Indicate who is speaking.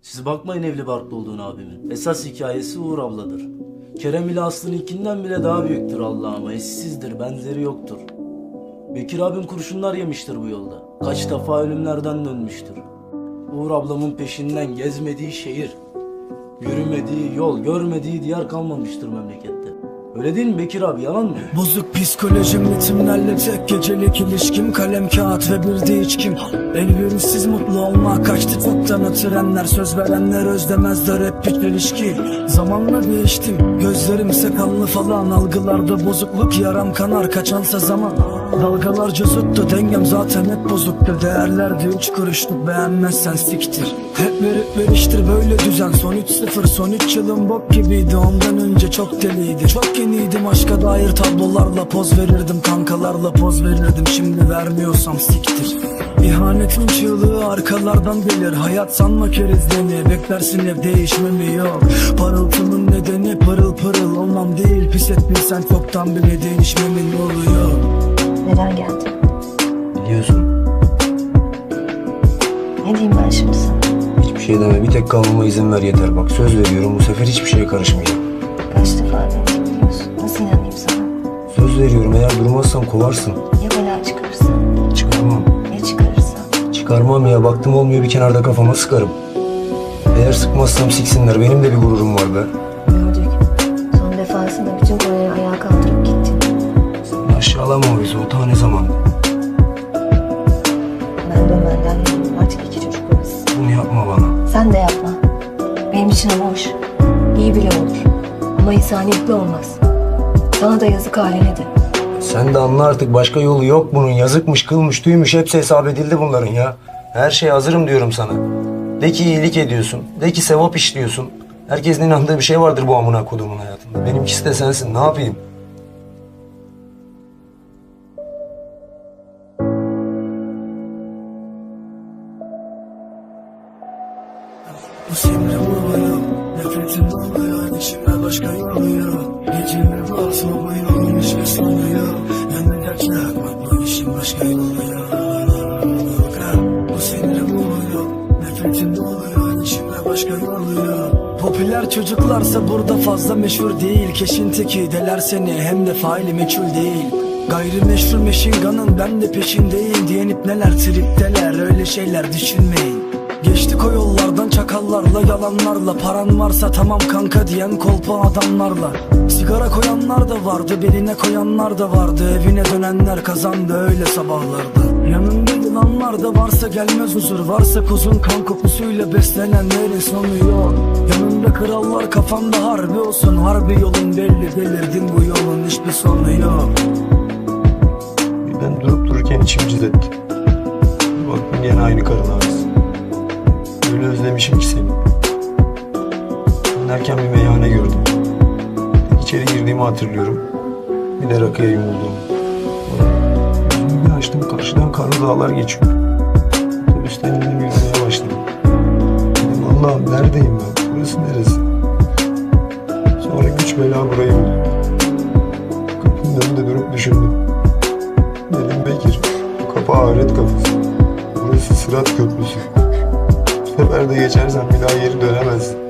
Speaker 1: Siz bakmayın evli barklı olduğunu abimin. Esas hikayesi Uğur abladır. Kerem ile Aslı'nınkinden bile daha büyüktür Allah'ıma. Eşsizdir, benzeri yoktur. Bekir abim kurşunlar yemiştir bu yolda. Kaç defa ölümlerden dönmüştür. Uğur ablamın peşinden gezmediği şehir, yürümediği yol, görmediği diyar kalmamıştır memlekette. Öyle değil mi Bekir abi, yalan mı?
Speaker 2: Bozuk psikolojim, ritimlerle tek gecelik ilişkim, kalem kağıt ve bir de içkim. Elverişsiz mutlu olma kaçtı çoktan, trenler söz verenler özlemezler, hep bir ilişki. Zamanla değiştim, gözlerimse kanlı falan, algılarda bozukluk, yaram kanar kaçansa zaman. Dalgalarca zıttı, dengem zaten hep bozuktu, değerlerdi 3 kuruşluk, beğenmezsen siktir. Hep verip veriştir böyle düzen, son 3-0, son 3 yılım bok gibiydi, ondan önce çok deliydi. Çok yeniydim, aşka dair tablolarla poz verirdim, kankalarla poz verirdim, şimdi vermiyorsam siktir. İhanetin çığlığı arkalardan gelir, hayat sanma kerizleni, beklersin ev değişmemi yok. Parıltımın nedeni pırıl pırıl olmam değil, pis etmişsen çoktan bile değişmemin oluyor.
Speaker 3: Neden geldin?
Speaker 4: Biliyorsun.
Speaker 3: Ne diyeyim ben şimdi sana?
Speaker 4: Hiçbir şey deme, bir tek kalmama izin ver yeter. Bak söz veriyorum, bu sefer hiçbir şeye karışmayacağım.
Speaker 3: Kaç defa denedim biliyorsun. Nasıl inanayım sana?
Speaker 4: Söz veriyorum, eğer durmazsam kovarsın.
Speaker 3: Ya bela çıkarırsa?
Speaker 4: Çıkarmam.
Speaker 3: Ya çıkarırsa?
Speaker 4: Çıkarmam ya, baktım olmuyor, bir kenarda kafama sıkarım. Eğer sıkmazsam siksinler, benim de bir gururum var be.
Speaker 3: Gördük. Son defasında bütün Kore'yi ayağa kaldırıp gittin.
Speaker 4: Sen aşağılama o bizi, o tane zaman.
Speaker 3: Ben dönmenden yanayım. Artık 2 çocuk babası.
Speaker 4: Bunu yapma bana.
Speaker 3: Sen de yapma. Benim için ama hoş. İyi bile olur. Ama insaniyetli olmaz. Sana da yazık haline de.
Speaker 4: Sen de anla artık, başka yolu yok bunun. Yazıkmış, kılmış, tüymüş, hepsi hesap edildi bunların ya. Her şeye hazırım diyorum sana. De ki iyilik ediyorsun, de ki sevap işliyorsun. Herkesin inandığı bir şey vardır bu amına kodumun hayatında. Benimkisi de sensin, ne yapayım?
Speaker 2: Bu simre oluyor, nefretim oluyor, içimde başka yolu yok. Gecemi basma bu yolun hiçbir sonu yok. Yani gerçek bak bu işin başka yolu yok. Bu sinire oluyor, nefretim oluyor, içimde başka yolu yok. Popüler çocuklarsa burada fazla meşhur değil. Keşin teki deler seni, hem de faili meçhul değil. Gayrimeşru meşinganın ben de peşindeyim diyenip neler tripteler, öyle şeyler düşünmeyin. Geçtik o yollardan çakallarla, yalanlarla, paran varsa tamam kanka diyen kolpa adamlarla. Sigara koyanlar da vardı, beline koyanlar da vardı, evine dönenler kazandı öyle sabahlarda. Yanında yılanlar da varsa gelmez huzur, varsa kuzun kan kokusuyla beslenenlerin sonu yok. Yanında krallar, kafanda harbi olsun, harbi yolun belli, delirdin bu yolun hiçbir sonu yok.
Speaker 4: Ben durup dururken içim cız etti. Baktım gene aynı karın ağrısı. Öyle özlemişim ki seni. Dönerken bir meyhane gördüm. İçeri girdiğimi hatırlıyorum. Bir de rakıya yumuldum. Gözümü bir açtım, karşıdan karlı dağlar geçiyor. Otobüsten indim, yürümeye başladım. Dedim Allah'ım neredeyim ben? Burası neresi? Sonra güç bela burayı buldum. Kapının önünde durup düşündüm. Dedim Bekir, bu kapı ahiret kapısı. Burası Sırat Köprüsü. Bu sefer de geçersen bir daha geri dönemezsin.